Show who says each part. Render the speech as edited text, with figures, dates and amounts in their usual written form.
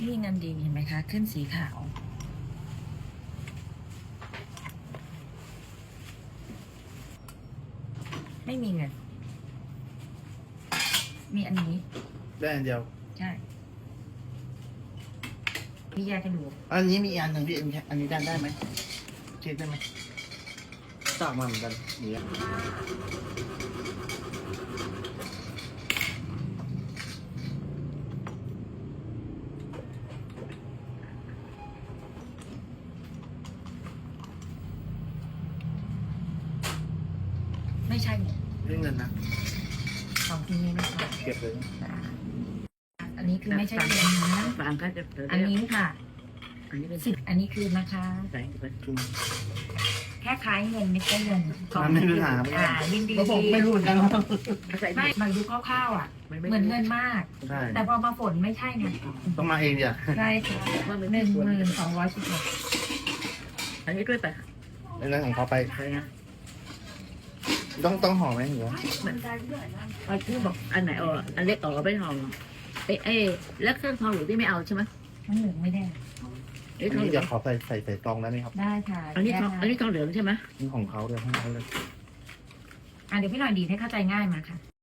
Speaker 1: นี่เงินดีเห็นไหมคะขึ้นสีขาวไม่มีเงินมีอันนี้
Speaker 2: ได้อันเดียว
Speaker 1: ใช่พี่แยกกันดู
Speaker 2: อันนี้มีอันหนึ่งพี่อันนี้ได้ไหมเช็คได้ไหมตากมาเหมือนกันเนี่ย
Speaker 1: ไม่ใช่
Speaker 2: เรื่องเงินนะ
Speaker 1: ของที่นี่ไม่ใช่
Speaker 2: เก็บเลย
Speaker 1: อันนี้คือไม่ใช่เงินนะ
Speaker 3: ฟังก็จะ
Speaker 1: อันนี้ค่ะ
Speaker 3: อันนี้เป็น
Speaker 1: 10อันนี้คือนะคะ
Speaker 3: แสงเป็น
Speaker 2: จุ่ม
Speaker 1: แค่คล้ายเงินไม่ใช่เงิน
Speaker 2: ไม่มีปัญหา
Speaker 1: ยินดี
Speaker 2: ก็ผมไม่รู้เหมือนกันว่า
Speaker 1: ไม่มาดูคร่าวๆอ่ะเหมือนเงินมาก
Speaker 2: ใช่
Speaker 1: แต่พอมาฝนไม่ใช่ไง
Speaker 2: ต้องมาเองเดี๋ยว
Speaker 1: ใช่ค่ะ1216
Speaker 3: อันนี้ด้วยไป
Speaker 2: ในเรื่องของเขาไป
Speaker 3: อะไรนะ
Speaker 2: ต้องห่อไหมหรือว่า
Speaker 3: เขาชื่อบอกอันไหนอ๋ออันเล็กอ๋อไม่ทองเอ้แล้วเครื่องทองหรือที่ไม่เอาใช่ไหม
Speaker 1: ทั้งเหลืองไม่ได้
Speaker 2: อันนี้เดี๋ยวขอใส่ซองได้ไหมครับ
Speaker 1: ได้ค่ะ
Speaker 3: อันนี้ทองเหลืองใช่ไหม
Speaker 2: นี่ของเขาเลยให้เขาเลย
Speaker 1: เดี๋ยวพี่หน่อยดีให้เข้าใจง่ายมาค่ะ